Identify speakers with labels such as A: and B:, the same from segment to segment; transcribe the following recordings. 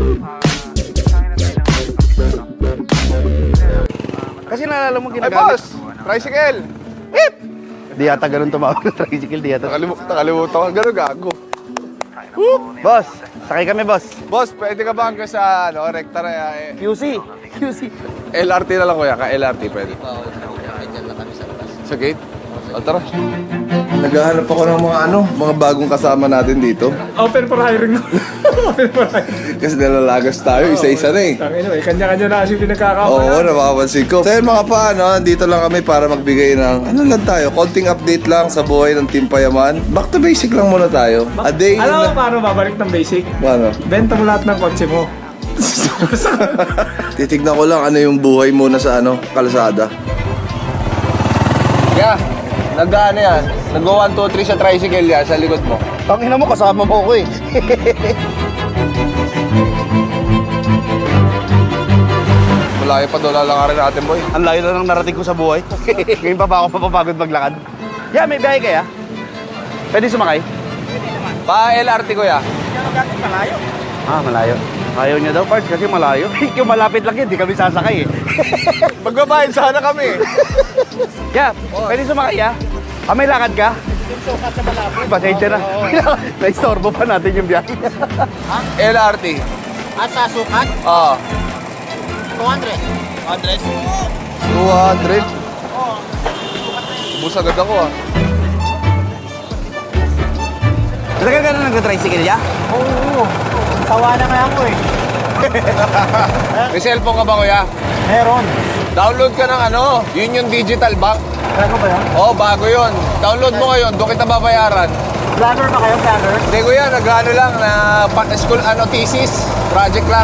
A: Kasi naalala mo
B: Ay,
A: ginagamit.
B: boss! Tricycle!
A: Beep! Di yata ganun tumawag ng tricycle, di yata.
B: Nakalimutan ko. Gano'n gago.
A: Boss, sakay kami, boss.
B: Boss, pwede ka ba hanggang sa rekta na
A: QC. QC.
B: LRT na lang kuya, ka LRT pwede. Sa gate? O tara. Naghahanap ako ng mga bagong kasama natin dito.
C: Open for hiring. Open for hiring.
B: Kasi nalalagas tayo, isa-isa na eh.
C: Tangina, kanya-kanya na kasi pinagkakamalan.
B: Oo, napapansin ko. So yun mga pa, dito lang kami para magbigay ng, lang tayo, konting update lang sa buhay ng Team Payaman. Back to basic lang muna tayo. A day in
C: Alam mo
B: the...
C: paano babalik ng basic?
B: Paano?
C: Benta mo lahat ng kotse mo.
B: Titignan ko lang ano yung buhay muna sa kalsada. Yeah, nag-ano yan? Nag-go 1, 2, 3 sa tricycle yan, sa likod mo.
A: Tangina mo, kasama mo ako eh.
B: Malayo pa doon, lalakarin natin boy.
A: Ang layo na ng narating ko sa buhay. Ngayon pa ba ako mapapagod maglakad? Yeah, may biyahe kaya? Pwede sumakay?
B: Pa LRT ko ya.
A: Ah, malayo. Ayaw niya daw, parts, kasi malayo. Yung malapit lang yun, di kami sasakay eh.
B: Magbabayad sana kami.
A: Yeah, pwede sumakay ah. Ah, may lakad ka? Sukat sa malapit. Pasensya na. Naistorbo pa natin yung biyahe.
B: LRT.
D: Sa sukat,
B: Ah,
D: 200.
B: 200. Bus agad ako ah.
A: Talaga ka na nag-tricycle ya?
D: Oo. Tawa na nga ako eh.
B: May cellphone ka ba kuya?
D: Meron.
B: Download ka ng Union Digital Bank.
D: Ano ba yan?
B: Oh, bago yun. Download mo ngayon, doon kita babayaran.
D: Vlogger ba kayo? Vlogger?
B: Hindi kuya, nag-ano lang na school thesis, project lang.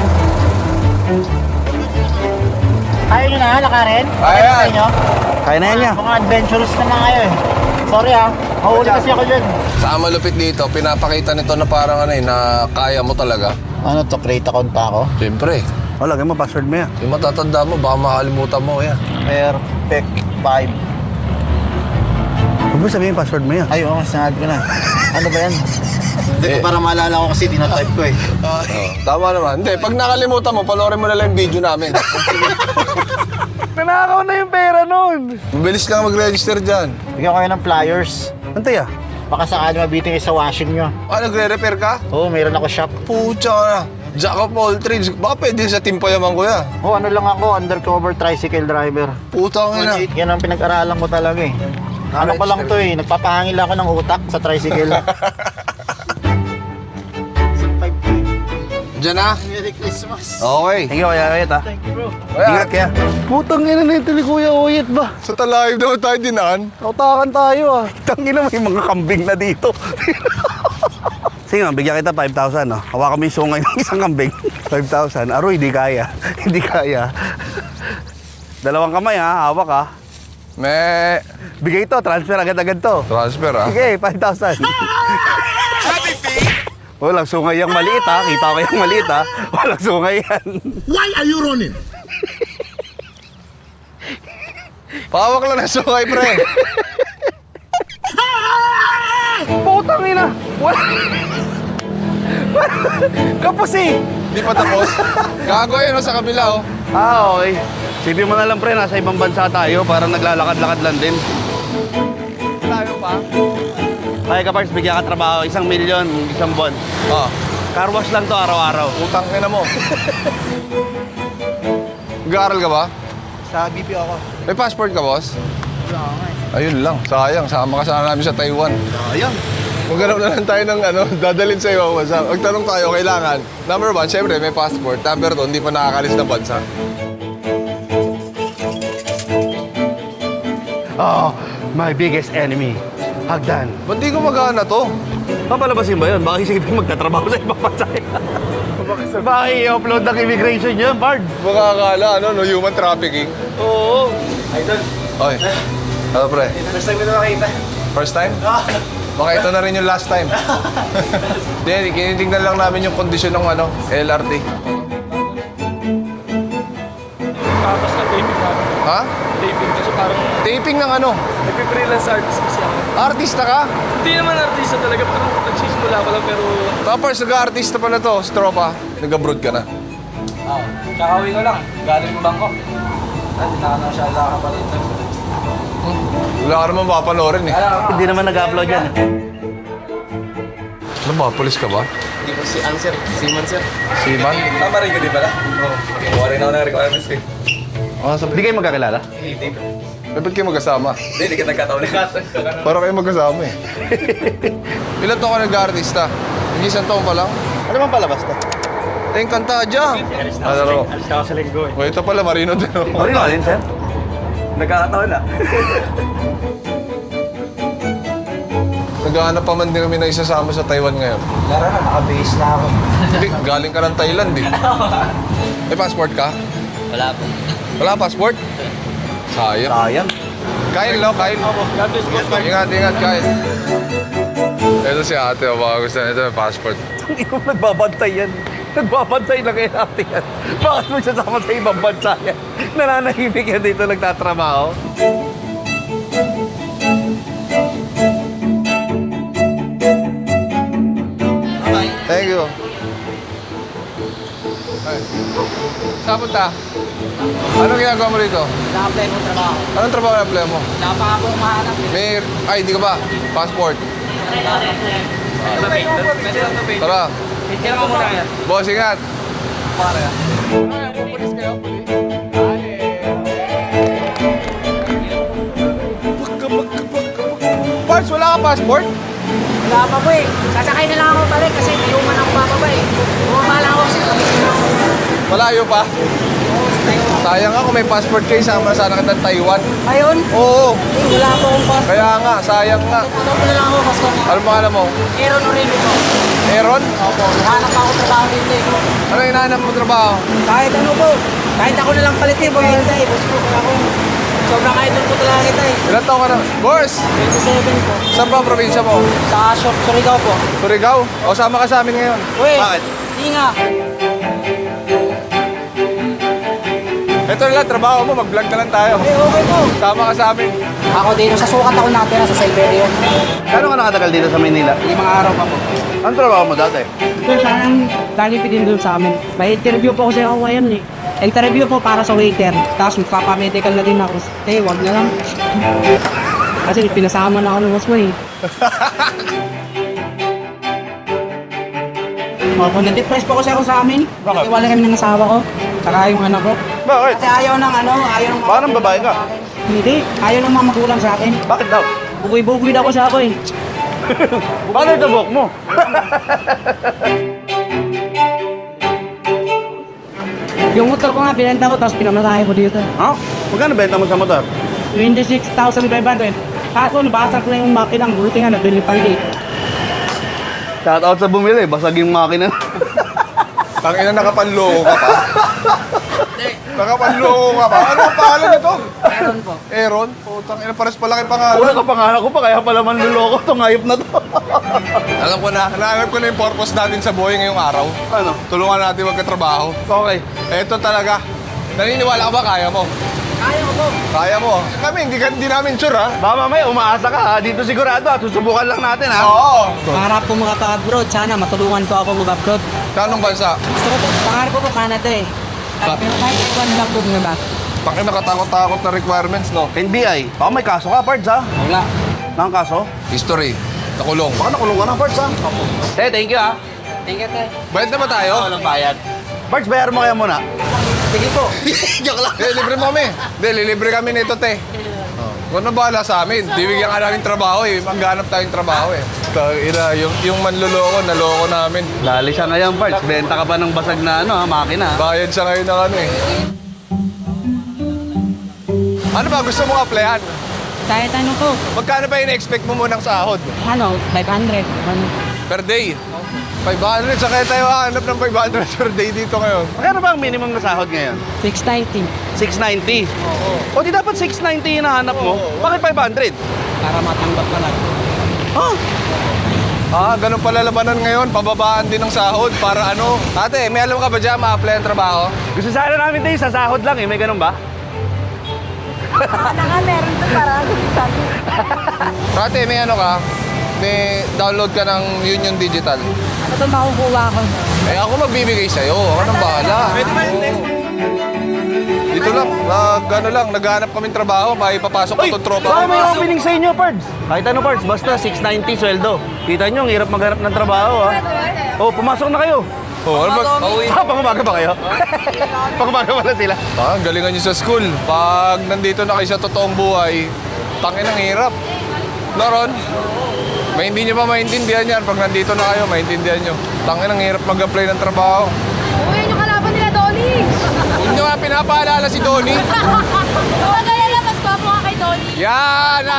D: Kaya nyo na, lakarin?
B: Kaya yan.
D: Kaya nyo?
A: Kaya na yan niya.
D: Mga adventurous naman kayo eh. Sorry ah, mahuli kasi ako dyan.
B: Sa malupit dito, pinapakita nito na parang na kaya mo talaga.
D: Ano to, create account ako?
B: Siyempre,
A: Oh, lagay mo, password mo yan.
B: yung matatanda mo, baka makalimutan mo yan.
D: Perfect 5.
A: Huwag mo sabihin password mo yan.
D: Ay, oo, sinad ko na. Ano ba yan? Hindi ko para maalala ko kasi tinatype ko eh.
B: Oh, tama naman. Hindi, pag nakalimutan mo, panoorin mo na lang yung video namin.
A: Nanakaw na yung pera nun.
B: Mabilis lang mag-register dyan.
D: Bigyan ko kayo ng flyers.
A: Antay ah.
D: Baka sakali mabiting sa washing nyo.
B: Ah, nagre-repair ka?
D: Oo, mayroon ako shop.
B: Pucha ka na. Jack of all trades. Baka pwede sa Team Payaman kuya.
D: Oo, ano lang ako, undercover tricycle driver.
B: Puta ka na.
D: Yan ang pinag-aralan ko talaga eh. Ano pa lang to eh, nagpapahangil ako ng utak sa tricycle.
B: Diyan na.
D: Merry Christmas.
B: Okay.
A: Thank you, Kuya Oyet ah.
D: Thank you bro.
A: Ingat kaya. Putang ina na ito ni Kuya Oyet ba?
B: Sa talayib naman tayo dinaan.
A: Tautakan tayo ah. Tangina, may mga kambing na dito. Sige nga, bigyan kita 5,000 no? Hawakan mo yung sungay ng isang kambing. 5,000. Aroy, hindi kaya. Hindi kaya. Dalawang kamay ha, hawak ha.
B: Me.
A: Bigay to, transfer agad-agad to.
B: Transfer ah.
A: Sige, 5,000. Walang sungay yung maliit ha. Kita ko yung maliit ha. Walang sungay yan.
E: Why are you running?
B: Pawak lang na sukay pre.
A: Putang ina. Wala. Kapos eh.
B: Di pa tapos. Gago yun sa kabila oh.
A: Ah, okay. Sipin mo na lang pre, nasa ibang bansa tayo. Parang naglalakad-lakad lang din.
B: Tayo pa.
A: Kaya ka Parks, bigyan ka trabaho. 1 milyon, isang buwan.
B: Ah.
A: Car wash lang to araw-araw.
B: Utang ka na mo. Nag-aaral ka ba?
D: Sa BPO ako.
B: May passport ka boss?
D: Wala ako nga eh.
B: Ayun lang. Sayang. Sama ka sana namin sa Taiwan.
A: Sayang.
B: Maghanap na lang tayo ng dadalhin sa iyo. Magtanong tayo, kailangan. Number 1, syempre may passport. Number 2, hindi pa nakakalis ng bansa.
A: Oh, my biggest enemy. Hagdan.
B: Ba't di ko magana to?
A: Papalabasin ba yun? Baka isipin magtatrabaho sa ibang bansa. Baka i-upload ng immigration yun, Bard.
B: Baka akala, human trafficking.
A: Oo.
B: Idol. Oy. Ano pre?
D: First time ko na makita.
B: First time? Baka ito na rin yung last time. Hindi, kinitingnan lang namin yung kondisyon ng LRT.
C: Tapos na taping namin.
B: Ha?
C: Taping kasi parang
B: Taping ng ano?
C: nag-freelance artist kasi ako.
B: Artista ka?
C: Hindi naman artista talaga, parang nagsisimula ko lang pero
B: Tapos nag-artista pala to, sa tropa. Nag-abroad ka na.
C: Oo. Tsaka uwi ko lang. Galing yung Bangkok. At tinaka siya pa dito.
B: Wala ka naman papanoorin eh.
A: Hindi naman nag-upload yan.
B: Ano ba? Polis ka ba?
C: Hindi ko si, ano sir? Seaman sir.
B: Seaman?
C: Tama rin ka di pala? Oo. Kinuha rin ako ng requirements eh.
A: Hindi kayo magkakilala?
C: Hindi.
B: Eh, ba't kayo magkasama?
C: Hindi ka nagkataon na.
B: Para kayo magkasama eh. Ilan taon ka nag-artista? Nag-isang taon pa lang?
A: Ano bang palabas to?
B: Eh, yung kanta dyan. Ano?
C: Alis ako sa linggo eh.
B: O, ito pala, Marino din.
A: Marino alin, sir?
C: Nagkakataon na.
B: Naghahanap pa man din kami na isasama sa Taiwan ngayon.
D: Laro na, naka-base na ako.
B: Hindi, galing ka ng Thailand eh. May passport ka?
C: Wala po.
B: Wala passport? Sayang.
A: Sayang.
B: Kyle, no? Kyle.
C: God bless po.
B: Ingat, ingat, Kyle. Ito si ate, o baka gusto nito may passport.
A: Hindi ko nagbabantay yan. Nagbabantay lang kay ate yan. Bakit mo siya sama sa ibang bansa yan? Nananahimik yan dito nagtatrabaho.
B: Thank you. Ay. Saan punta? Anong ginagawa mo rito?
E: Na-apply mo trabaho.
B: Anong trabaho na apply mo?
E: Wala pa ako mahanap.
B: May... Ay, di ka ba? Passport. Tara.
C: Picture mo muna yan.
B: Boss, ingat.
C: Para yan.
B: Parts, wala ka passport?
E: Wala pa po eh. Sasakay na lang ako balik kasi may uman ako bababa eh. Bumaba lang ako sa Pangasinan.
B: Malayo pa? Sayang nga kung may passport kayo, sama sana kita ng Taiwan.
E: Ayun?
B: Oo.
E: Eh, wala pa akong passport.
B: Kaya nga, sayang nga.
E: Ano ko na lang ako kasi
B: Ano pangalan mo?
E: Aaron Orelio po.
B: Aaron?
E: Opo. Hanap ako trabaho dito eh.
B: Ano hinahanap mo trabaho?
E: Kahit ano po. Kahit ako na lang palitin po. Hintay. Boss po ako. Sobrang idol po talaga kita eh.
B: Ilan taon ka na? Boss!
E: 27 po.
B: Saan ba ang probinsya mo?
E: Sa shop, Surigao po.
B: Surigao? O sama ka sa amin ngayon?
E: Uy!
A: Bakit?
E: Hindi nga.
B: Ito na lang, trabaho mo, mag-vlog na lang tayo.
E: Eh, okay po.
B: Sama ka sa amin.
E: Ako dito sa sukat ako natira sa Siberia.
A: Kano ka nakatagal dito sa Maynila?
E: 5 araw pa po.
A: Anong trabaho mo dati?
E: Sir, parang lalipid din doon sa amin. May interview po kasi ako ngayon eh. Interview po para sa waiter. Tapos magpapamedical na din ako. Eh, wag na lang. Kasi pinasama na ako ng boss mo eh. Opo, na-depress po kasi ako sa amin. Kasi wala kami ng asawa ko. Saka yung anak ko.
A: Bakit?
E: Kasi ayaw ng ano, ayaw ng
A: Parang babae ka.
E: Hindi, ayaw ng mga magulang sa akin.
A: Bakit daw?
E: Bugoy-bugoy daw ko sa ako eh.
A: Bakit ito buhok mo?
E: Yung motor ko nga, binenta ko, tapos pinamatahe ko dito.
A: Ha? Magkano benta mo sa motor?
E: 26,500. Kaso, nabasag ko na yung makinang. Buti nga, nabili pa rin.
A: Shout out sa bumili, basag yung makina.
B: Tangina, nakapanloko ka pa. Nakapanloko ka pa. Ano ang pangalan nito?
E: Meron po.
B: Aaron? Putang ina, pares pala kay
A: Una
B: pangalan.
A: ka pangalan ko pa, kaya pala manluloko tong hayop na to.
B: Alam ko na, nahanap ko na yung purpose natin sa buhay ngayong araw.
A: Ano?
B: Tulungan natin magkatrabaho.
A: Okay.
B: Eto talaga. Naniniwala ka ba kaya mo?
E: Kaya ko po.
B: Kaya mo. Kami, hindi namin sure ha.
A: Baka mamaya umaasa ka ha. Dito sigurado ha. Susubukan lang natin ha.
B: Oo.
E: Pangarap ko makapag-abroad. Sana matulungan ko ako mag-abroad.
B: Kanong bansa?
E: Gusto ko po, pangarap ko po Canada eh. Pero kahit one lang po nga ba?
B: Tangina, nakatakot-takot na requirements, no?
A: NBI. Baka may kaso ka, Pards ha.
E: Wala.
A: Nang kaso?
B: History. Nakulong.
A: Baka nakulong ka na, Pards ha. Thank you ha.
E: Thank you, tay.
B: Bayad na ba tayo?
A: bayad. Pards, bayaran mo kaya muna.
E: Sige po.
A: Joke lang.
B: Libre mo kami. Libre kami nito, te. Kung ano bahala sa amin, bibigyan ka namin trabaho eh. Maghanap tayong trabaho eh. Ina, yung manluloko, naloko namin.
A: Lali siya ngayon, Pards. Benta ka pa ng basag na ano ha, makina.
B: Bayad siya ngayon ng ano eh. Ano ba gusto mong applyan?
E: Kahit ano po.
B: Magkano ba in-expect mo munang sahod?
E: Ano, 500. Ano?
B: Per day? 500. Sa kaya tayo hanap ng 500 per day dito ngayon.
A: Magkano ba ang minimum na sahod ngayon?
E: 690.
A: 690.
B: Oo.
A: O di dapat 690 yung nahanap mo?
B: Oo.
A: Bakit 500?
E: Para matanggap ka lang.
A: Ha?
B: Ganun pala labanan ngayon. Pababaan din ng sahod para ano. Ate, may alam ka ba dyan ma-apply ang trabaho?
A: Gusto sana namin tayo sa sahod lang eh. May ganun ba?
F: Meron to para
B: Ate, may ano ka? may download ka ng Union Digital.
E: Ito makukuha ko.
B: Eh ako magbibigay sa'yo. Ako nang bahala. Oo. Dito lang, naghahanap kaming trabaho, may papasok ko itong tropa
A: Baka
B: ko.
A: may opening sa inyo, Pards. Kahit ano, Pards, basta 690 sweldo. Kita nyo, ang hirap maghanap ng trabaho, ha? Oh, pumasok na kayo.
B: Oh, ano ba?
A: Pangumaga ba kayo? Pangumaga pala sila.
B: Ang galingan nyo sa school. Pag nandito na kayo sa totoong buhay, tangin ang hirap. Naron, may hindi nyo pa maintindihan yan. Pag nandito na kayo, maintindihan nyo. Tangin ang hirap mag-apply ng trabaho.
F: Uy, yung kalaban nila, Donnie!
B: Huwag nyo nga pinapaalala si Donnie.
F: Kaya lang, mas gwapo ka kay Donnie.
B: Yan na!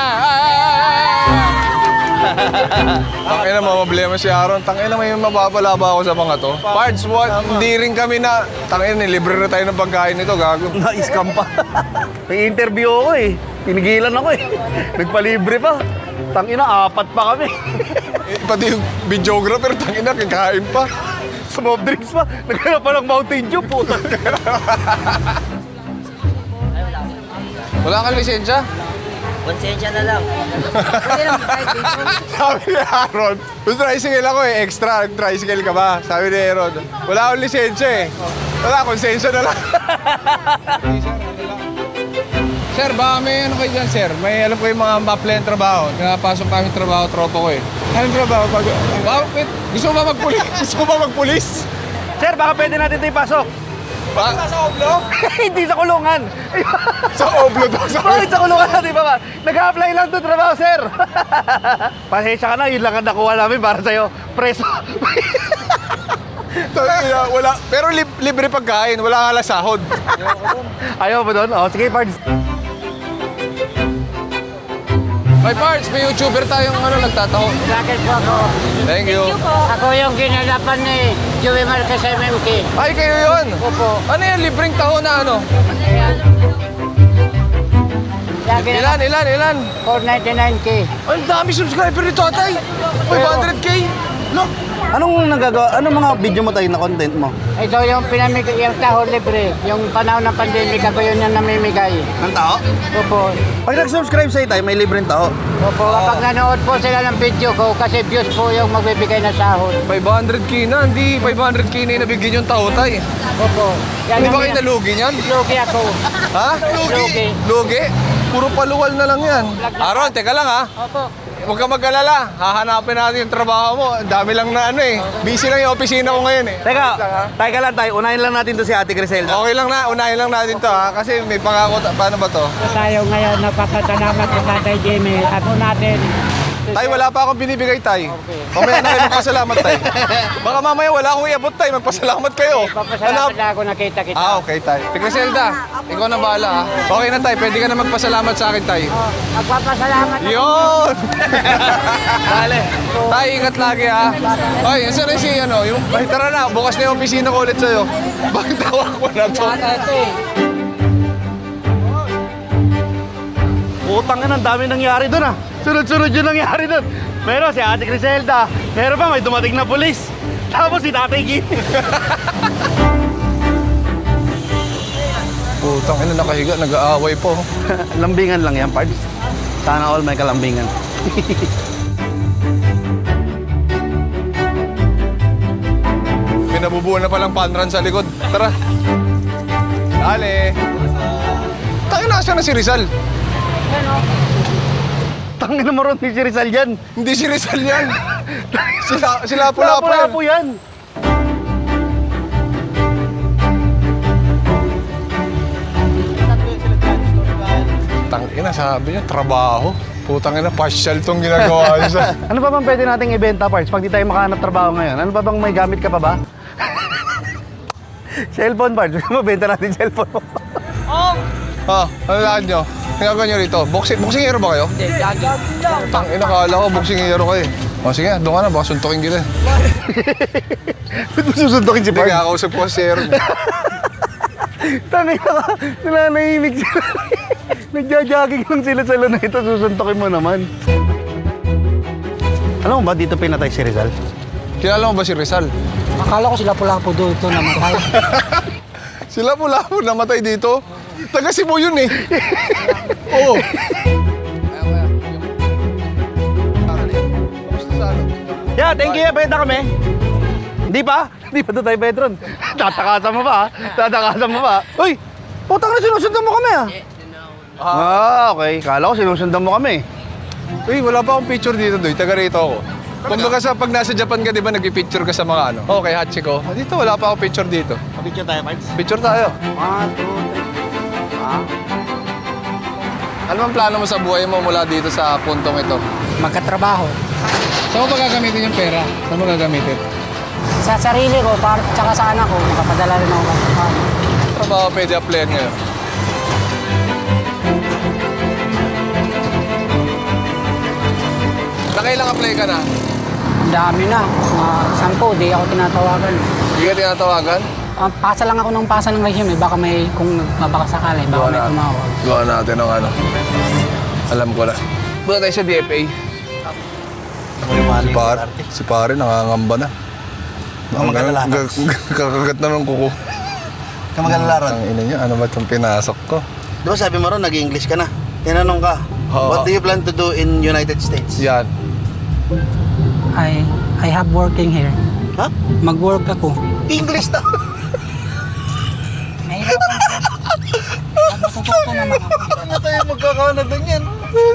B: Tangin na, problema si Aaron. Tangin na, may mababala ba ako sa mga to? Parts, hindi rin kami na... Tangin, libre na tayo ng pagkain nito, gago.
A: Na-scam pa. May interview ako eh. Tinigilan ako eh. Nagpalibre pa. Tangina, 4 pa kami.
B: Pati yung videographer, tangin na, kakain pa.
A: Soft drinks pa. Naghanap pa ng Mountain Dew, puta.
B: Wala kang lisensya?
E: Konsensya na lang.
B: Sabi ni Aaron, yung tricycle ako eh, extra, tricycle ka ba? Sabi ni Aaron, wala akong lisensya eh. Wala, konsensya na lang. Sir, baka may ano kayo dyan, sir? May alam ko yung mga ma-apply ng trabaho. Nakapasok kami trabaho, tropa ko eh. Anong trabaho? Bakit? Gusto mo ba magpulis? Gusto mo ba magpulis?
A: Sir, baka pwede natin ito ipasok.
B: Sa oblo?
A: Hindi sa kulungan.
B: Sa oblo daw.
A: Bakit sa kulungan natin ba? Nag-a-apply lang ito trabaho, sir. Pasensya ka na, yun lang ang nakuha namin para sa'yo. Preso.
B: Wala, pero libre pagkain, wala nga lang sahod.
A: Ayaw mo doon? Oh, sige, Pards.
B: May parts, may YouTuber tayong nagtataho.
E: Bakit po ako?
B: Thank you.
E: Ako yung ginalapan ni Joey Marquez MMK.
B: Ay, kayo yun?
E: Opo.
B: Ano yan, libreng taho na ano?
E: Lagi na
B: Ilan?
E: 499K.
B: Ang dami subscriber ni Tatay. 500K. Look.
A: Anong nagagawa? Anong mga video mo tayo na content mo?
E: Ito yung pinamigay, yung taho libre. Yung panahon ng pandemic, ako yun yung namimigay.
A: Ng tao?
E: Opo.
A: Pag nag-subscribe sa'yo tayo, may libreng tao.
E: Opo, kapag nanood po sila ng video ko, kasi views po yung magbibigay ng sahod.
B: 500K na, hindi 500K na yung nabigyan yung taho, Tay.
E: Opo. Yan
B: Hindi ba
E: ang-
B: kayo nalugi niyan?
E: Lugi ako.
B: Ha?
E: Lugi.
B: Lugi? Puro paluwal na lang yan. Aaron, teka lang ha.
E: Opo.
B: Huwag ka mag-alala. Hahanapin natin yung trabaho mo. Ang dami lang na ano eh. Busy lang yung opisina ko ngayon eh.
A: Teka, lang tayo. Unahin lang natin to si Ate Griselda.
B: Okay lang na, unahin lang natin to ha. Kasi may pangako, paano ba to?
E: Tayo ngayon, napapasalamat sa Tatay Jimmy. Ako natin.
B: Tay, wala pa akong binibigay, Tay. Mamaya na kayo magpasalamat, Tay. Baka mamaya wala akong iabot, Tay. Magpasalamat kayo.
E: Papasalamat na ako nakita kita.
B: Okay, Tay. Griselda, ikaw na bahala ha. Okay na, Tay. Pwede ka na magpasalamat sa akin, Tay.
E: Magpapasalamat ako.
B: Yun! Dale. Tay, ingat lagi ha. Ay, saan na si ano? Ay, tara na. Bukas na yung opisina ko ulit sa'yo. Bakit tawag ko na to?
A: Utang na, ang dami nangyari doon ah. Sunod-sunod yung nangyari doon. Meron si Ate Griselda. Meron pa, may dumating na pulis. Tapos si Tatay Gin.
B: Putang ina, nakahiga. Nag-aaway po.
A: Lambingan lang yan, Pards. Sana all may kalambingan.
B: May nabubuo na palang panran sa likod. Tara. Dale. Tayo nasa na si Rizal.
A: Tangin na mo ron si Rizal yan.
B: Hindi si Rizal yan. Sila pula po yan.
A: Lapo yan.
B: Tangina, sabi niya, trabaho. Putang ina, partial tong ginagawa niya sa...
A: Ano pa bang pwede nating ibenta, Pards, pag di tayo makahanap trabaho ngayon? Ano pa bang may gamit ka pa ba? Cellphone, Pards. Mabenta natin cellphone mo.
B: Ano lahat nyo? Tingnan nyo rito. Boxingero ba kayo?
E: Hindi, jogging.
B: Tangina, kala ko boxingero kayo. O sige, doon ka na, baka suntukin kita.
A: Ba't mo susuntokin si
B: Hindi,
A: Pards?
B: kakausap ko si Aaron.
A: Tangin na ka. Nananahimik sila. Nagja-jogging lang sila sa luna ito. Susuntokin mo naman. Alam mo ba dito pinatay si Rizal?
B: Kilala mo ba si Rizal?
E: Akala ko sila pula po doon ito namatay.
B: Sila pula po namatay dito. Taga Cebu yun eh. Oo.
A: Yeah, thank you. Benta kami. Hindi pa? Hindi pa doon tayo, Petron. Tatakasan mo pa, ha? Tatakasan mo pa. Uy! Putang na, sinusundan mo kami, okay. Kala ko sinusundan mo kami.
B: Uy, wala pa akong picture dito, Doy. Taga rito ako. Kumbaga sa pag nasa Japan ka, di ba, nag-picture ka sa mga ano? Okay, Hachiko. Dito, wala pa akong picture dito.
D: Picture tayo, Pards.
B: Picture tayo.
A: 1, 2, 3.
B: Ano ang plano mo sa buhay mo mula dito sa puntong ito?
E: Magkatrabaho.
B: Saan mo ba gagamitin yung pera? Saan mo gagamitin?
E: Sa sarili ko, tsaka sa anak ko, makapadala rin ako.
B: Trabaho pwede applyan ngayon. Nakailang apply ka na?
E: Ang dami na. Mga 10, di ako tinatawagan.
B: Hindi ka tinatawagan?
E: Pasa lang ako ng pasa ng resume. Baka may, kung mabakasakali, baka may tumawag.
B: Gawa natin ng ano. Alam ko na. Punta tayo sa DFA. Si pare nangangamba na. Kakagat na ng kuko.
A: Kamag-alala
B: Ang ina niya, ano ba itong pinasok ko?
A: Di ba sabi mo ron, nag-English ka na? Tinanong ka, what do you plan to do in United States?
B: Yan.
E: I have working here.
A: Ha?
E: Mag-work ako.
A: English na!
E: Nahirapan ko. Matututo naman ako.
A: Ano tayo magkakaano doon yan?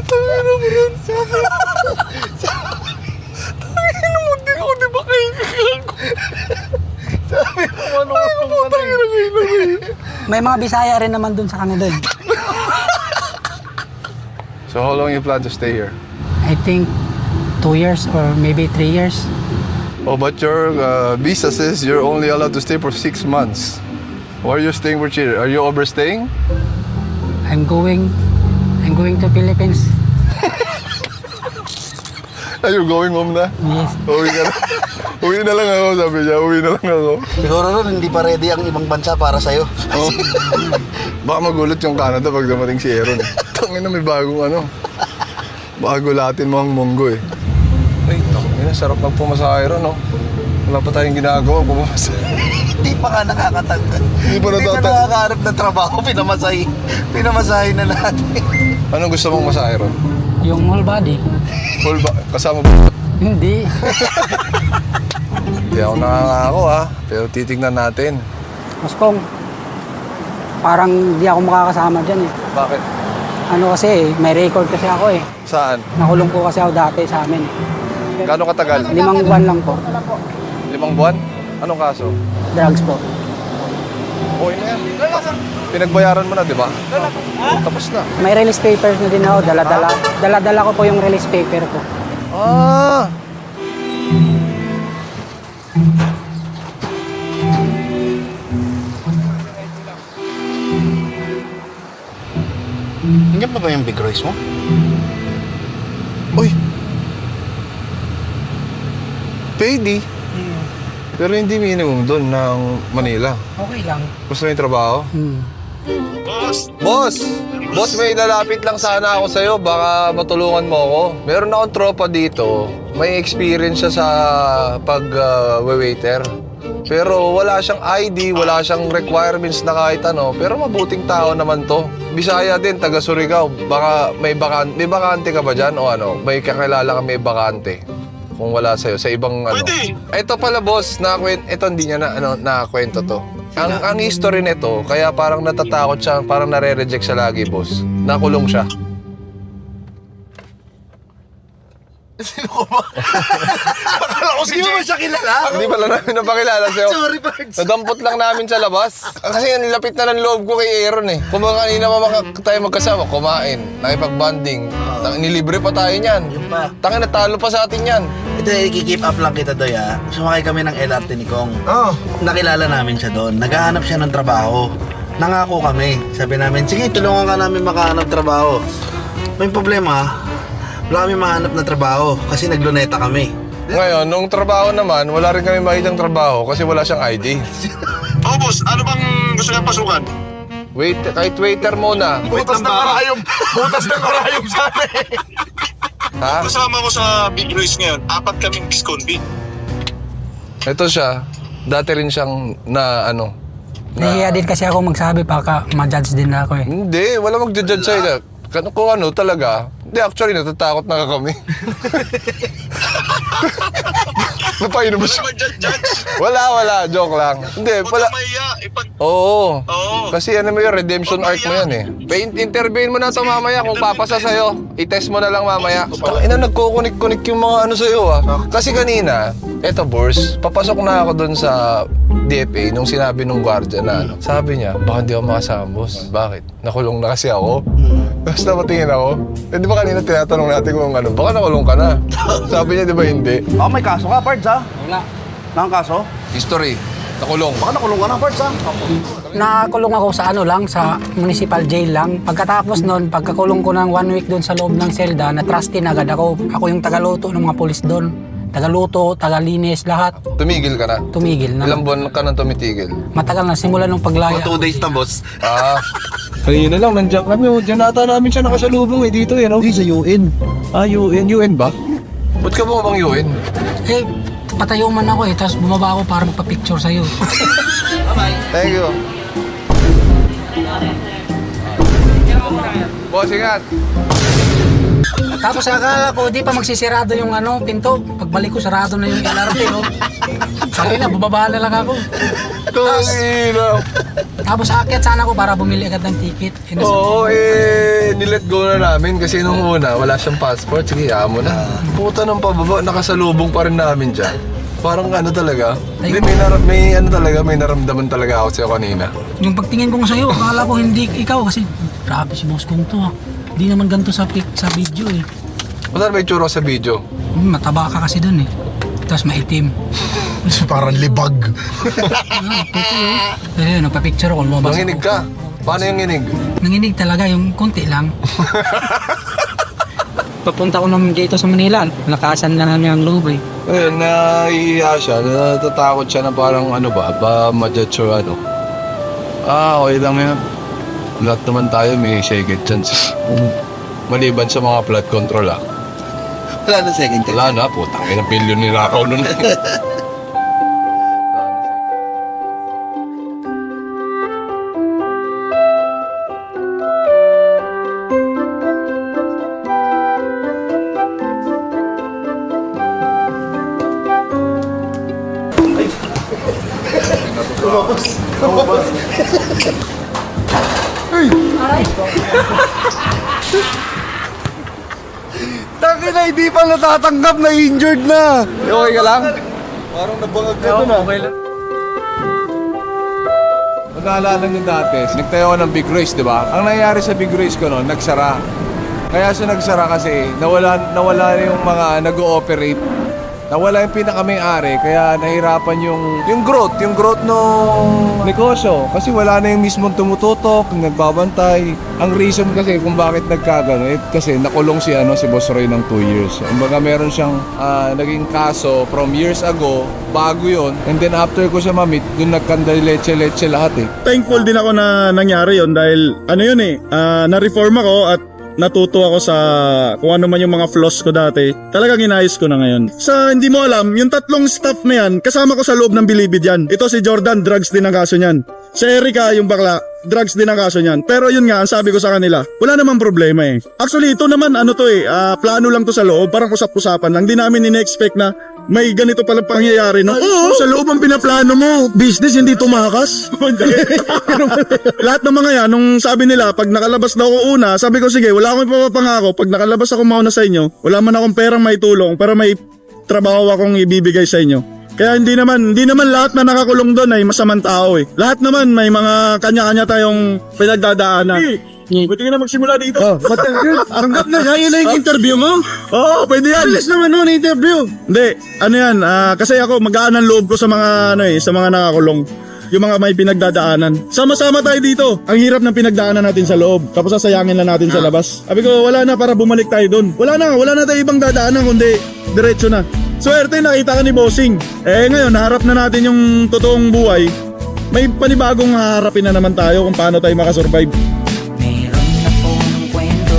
A: Tangina mo, di ako di ba kaibigan ko? Sabi mo, ano ko
E: May mga Bisaya rin naman dun sa kanila.
B: So how long you plan to stay here?
E: I think 2 years or maybe 3 years.
B: Oh, but your visa says you're only allowed to stay for 6 months. Why are you staying for cheaper? Are you overstaying?
E: I'm going to Philippines.
B: Are you going home na?
E: Yes.
B: Uwi ka na. Uwi na lang ako, sabi niya. Uwi na lang ako.
A: Siguro ron, hindi pa ready ang ibang bansa para sa'yo.
B: Oh. Baka magulat yung Canada pag dumating si Aaron. Tangina, may bagong ano. Baka gulatin mo ang munggo eh. Ay, tangina, sarap magpumasahe ron, no? Wala pa tayong ginagawa, pumasahe.
A: Hindi pa ka nakakatanda.
B: Hindi pa
A: Hindi ka
B: natatanda.
A: nakakaharap ng trabaho, pinamasahe na natin.
B: Anong gusto mong masahe ron?
E: Yung whole body.
B: Full ba? Kasama ba?
E: Hindi.
B: Hindi ako nakangako ha. Pero titignan natin.
E: Mas kung parang di ako makakasama dyan eh.
B: Bakit?
E: Ano kasi, may record kasi ako eh.
B: Saan?
E: Nakulong po kasi ako dati sa amin.
B: Gano'ng katagal?
E: 5 buwan lang po.
B: 5 buwan? Anong kaso?
E: Drugs po.
B: Okay na yan. Pinagbayaran mo na, di ba? Tapos na.
E: May release papers na din ako. Dala-dala ko po yung release paper ko.
B: Ah!
A: Nandiyan pa ba yung Big Royce mo?
B: Uy! Payday? Pero hindi minimum doon ng Manila.
E: Okay lang.
B: Gusto mo yung trabaho? Boss! Boss, may lalapit lang sana ako sa'yo. Baka matulungan mo ako. Meron akong tropa dito. May experience siya sa pag-waiter. Pero wala siyang ID, wala siyang requirements na kahit ano. Pero mabuting tao naman to. Bisaya din, taga Surigao. Baka may bakante ka ba dyan? O ano? May kakilala ka may bakante? Kung wala sa'yo, sa ibang ano. Ito pala boss, ito hindi niya nakakwento to. Ang history nito, kaya parang natatakot siya, parang nare-reject siya lagi, boss. Nakulong siya.
A: Sino ko ba? Akala ko si Jay. Hindi mo ba siya kilala?
B: Hindi pala namin napakilala sa'yo.
A: Sorry, Pards.
B: Nadampot lang namin sa labas. Kasi ang lapit na ng loob ko kay Aaron eh. Kung mga kanina tayo magkasama, kumain, nakipag-banding. Nilibre pa tayo niyan.
A: Yun pa.
B: Tangin, natalo pa sa atin yan.
A: Ito, i-keep up lang kita doy ha. Sumakay kami ng LRT ni Kong. Nakilala namin siya doon. Naghahanap siya ng trabaho. Nangako kami. Sabi namin, sige, tulungan ka namin makahanap trabaho. May problema, wala kami mahanap na trabaho kasi nagluneta kami.
B: Ngayon, nung trabaho naman, wala rin kami makitang trabaho kasi wala siyang ID.
G: Oh, boss, ano bang gusto niyang pasukan?
B: Wait, kahit waiter muna.
A: Butas ng karayom. Butas ng karayom sana eh.
B: Ha?
G: Kasama ko sa Big Royce ngayon, 4 kaming disconvict.
B: Ito siya, dati rin siyang
E: Nahiya din kasi ako magsabi baka ma-judge din ako eh.
B: Hindi, wala mag-judge sa'yo. Kung ano talaga. Hindi, actually, natatakot na kami. Napainom mo
G: Wala
B: siya.
G: naman dyan, Judge.
B: Wala. Joke lang. Hindi,
G: Huwag
B: pala.
G: kang mahiya.
B: Oo.
G: Oo.
B: Kasi ano mo yun, redemption arc mo yan eh. Interviewin mo na ito mamaya kung papasa sa'yo. I-test mo na lang mamaya. Ina, nagkukunik-kunik yung mga ano sa'yo ah. Kasi kanina, eto Bors, papasok na ako dun sa DFA nung sinabi nung guardia na ano. Sabi niya, baka hindi ako makasama, boss. Bakit? Nakulong na kasi ako. Basta patingin ako. Eh di ba kanina tinatanong natin kung ano, baka nakulong ka na. Sabi niya, di ba hindi?
A: Baka may kaso ka, Pards, ha?
E: Wala.
A: Nakang kaso?
B: History. Nakulong.
A: Baka nakulong ka na, Pards, ha?
E: Nakulong ako sa ano lang, sa municipal jail lang. Pagkatapos nun, pagkakulong ko ng 1 week doon sa loob ng selda, na-trusty na agad ako. Ako yung tagaluto ng mga pulis doon. Tagaluto, tagalinis, lahat.
B: Tumigil ka na.
E: Tumigil na.
B: Ilang buwan ka nang tumitigil?
E: Matagal na, simula nung paglaya.
A: 2 days na, boss.
B: Ah,
C: Kanina lang, nandiyan kami. Diyan nata namin siya nakasalubong dito eh. No?
D: Hindi, sa UN.
C: Ah, UN ba?
B: ba't ka bumabang UN?
E: Eh, patayo man ako tapos bumaba ako para magpa-picture sa'yo.
B: Thank you. Boss, ingat.
E: Tapos akala ko, di pa magsisirado yung pinto. Pagbalik ko, sarado na yung LRT, no? Sabi na, bumaba na lang ako.
B: Tangina.
E: Tapos aakyat sana ako para bumili agad ng ticket.
B: Oo, nilet go na namin kasi nung una, wala siyang passport. Sige, mo na. Puta ng pababa, nakasalubong pa rin namin dyan. Parang ano talaga, hindi, may naramdaman talaga ako sa'yo kanina.
E: Yung pagtingin ko sa'yo, akala ko hindi ikaw kasi grabe si boss kong to. Hindi naman ganito sa video eh.
B: Wala may tsura sa video.
E: Mataba ka kasi dun eh. Tapos maitim.
D: Parang libag.
E: Pero yun, nagpa-picture ako, lumabas
B: Nanginig
E: ako.
B: ka. Paano yung nginig?
E: Nanginig talaga, yung konti lang. Papunta ko naman dito sa Manila, nakasan na namin ang loob eh.
B: Ayun, naiiya siya. Natatakot siya na parang ano ba ma-judge or ano. Okay lang yan. Lahat naman tayo may second chance. Maliban sa mga flood control
A: Wala na second chance.
B: Wala na, putang ina, bilyon ni Rakaw nun.
A: Taki na, hindi pa natatanggap na injured na.
B: Okay ka lang?
A: Parang nabangag ka dun,
B: Okay lang. Naalala nyo dati, nagtayo ako ng Big Race, di ba? Ang nangyari sa Big Race ko noon, nagsara. Kaya sa nagsara kasi, nawala yung mga nag-ooperate. Nawala yung pinaka-may-ari, kaya nahirapan yung growth nung negosyo. Kasi wala na yung mismong tumututok, nagbabantay. Ang reason kasi kung bakit nagkagano, kasi nakulong si Boss Roy ng 2 years. Kumbaga meron siyang naging kaso from years ago, bago yon. And then after ko siya ma-meet, dun nagkandaleche-leche lahat eh.
H: Thankful din ako na nangyari yon dahil na-reform ako at natuto ako sa kung ano man yung mga flaws ko dati. Talagang inayos ko na ngayon. Sa hindi mo alam, yung 3 staff na yan, kasama ko sa loob ng Bilibid yan. Ito si Jordan, drugs din ang kaso niyan. Si Erica, yung bakla, drugs din ang kaso niyan. Pero yun nga, ang sabi ko sa kanila, wala namang problema eh. Actually, ito naman, plano lang to sa loob, parang usap-usapan lang. Di namin in-expect na may ganito palang pangyayari, no? Oo, sa loob ang pinaplano mo. Business, hindi tumakas. Lahat ng mga yan, nung sabi nila, pag nakalabas na ako una, sabi ko, sige, wala akong ipapangako. Pag nakalabas ako mauna sa inyo, wala man akong perang may tulong, pero may trabaho akong ibibigay sa inyo. Kaya hindi naman lahat na nakakulong doon ay masamang tao eh. Lahat naman may mga kanya-kanya tayong pinagdadaanan. Pwede ka na magsimula dito. Tanggap na, yun na yung interview mo? Oo, pwede yan. Bilis naman nun, interview. Hindi, kasi ako magaan ang loob ko sa mga, sa mga nakakulong. Yung mga may pinagdadaanan. Sama-sama tayo dito. Ang hirap ng pinagdaanan natin sa loob. Tapos sasayangin lang natin sa labas. Sabi ko, wala na para bumalik tayo doon. Wala na tayo ibang dadaanan kundi diretso na. Swerte, nakita ka ni Bossing. Ngayon, naharap na natin yung totoong buhay. May panibagong haharapin na naman tayo kung paano tayo makasurvive.
I: Meron na pong kwento,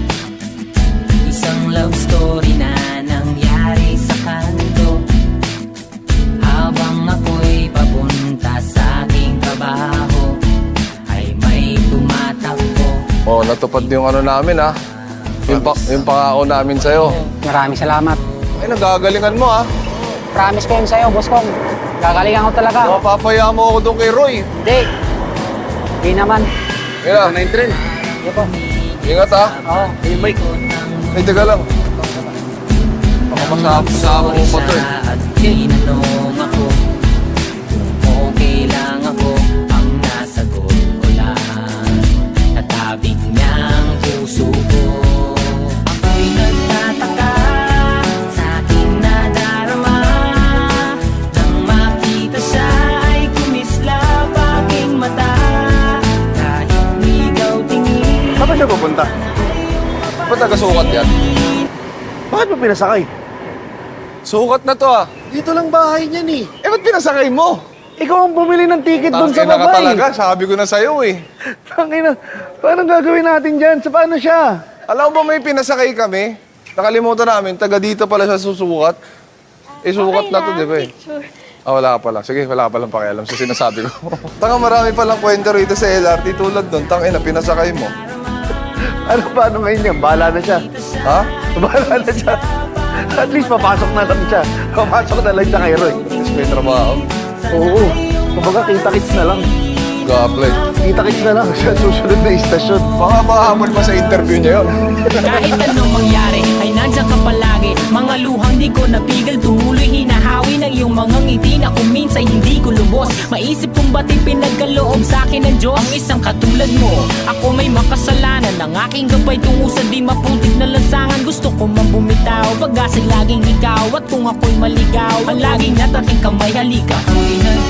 I: isang love story na nangyari sa kanto. Habang ako'y papunta sa aking trabaho, ay may tumatakbo.
B: Oh, natupad yung namin yung pangako namin sa'yo.
E: Maraming salamat.
B: Ay, nagagalingan mo
E: promise ko yun sa'yo, boss kong. Gagalingan ko talaga.
B: Mapapaya mo ako doon kay Roy.
E: Hindi. Hindi naman.
B: Kaya, 9-3.
E: Hindi po.
B: Ingat ha.
E: Oo.
B: Yung mic. Ay, taga lang. Baka masama mo pa to eh.
I: At tinanong ako kung okay lang ako. Ang nasagot ko lang, natabig niyang puso ko. Ako'y nagtataka sa aking nadarama. Nang makita siya ay kumislap aking mata. Kahit ligaw tingin.
A: Saan ba siya pupunta?
B: Ba't nagasukat yan?
A: Bakit mo pinasakay?
B: Sukat na to ah.
A: Dito lang bahay niya ni.
B: Eh, ba't pinasakay mo?
A: Ikaw ang bumili ng ticket doon sa
B: Tangina ka
A: baba
B: talaga, sabi ko na sa'yo eh.
A: Tangina, paano gagawin natin dyan? Sa paano siya?
B: Alam mo ba may pinasakay kami? Nakalimutan namin, taga dito pala siya susukat. Eh, sukat na to, di ba eh? Ah, wala ka pala. Sige, wala ka palang pakialam sa sinasabi ko. Tanga, marami palang kwento rito sa LRT tulad doon. Tangina, pinasakay mo.
A: Ano paano ngayon yan? Bahala na siya.
B: Ha?
A: Bahala na siya. At least papasok na lang siya. Papasok na lang siya kay Roy.
B: Tapos may trabaho.
A: Oo. Kumbaga kita-kits na lang.
B: Gablet.
A: Kita-kits na lang siya susunod na istasyon.
B: Baka mahamon pa sa interview niya yun.
I: Kahit anong mangyari ay nandiyan ka palagi. Mga luhang di ko napigil, tumuloy hinahawi ng iyong mga ngiti na kung minsan hindi ko lubos. Maisip kong ba't pinagkaloob sa akin ng Diyos. Ang isang katulad mo, ako may makasalanan. Ang aking gabay tungo sa di maputik na lansangan. Gusto ko man bumitaw, pag-asa'y laging ikaw. At kung ako'y maligaw, ang laging natating kamay halika. Ako'y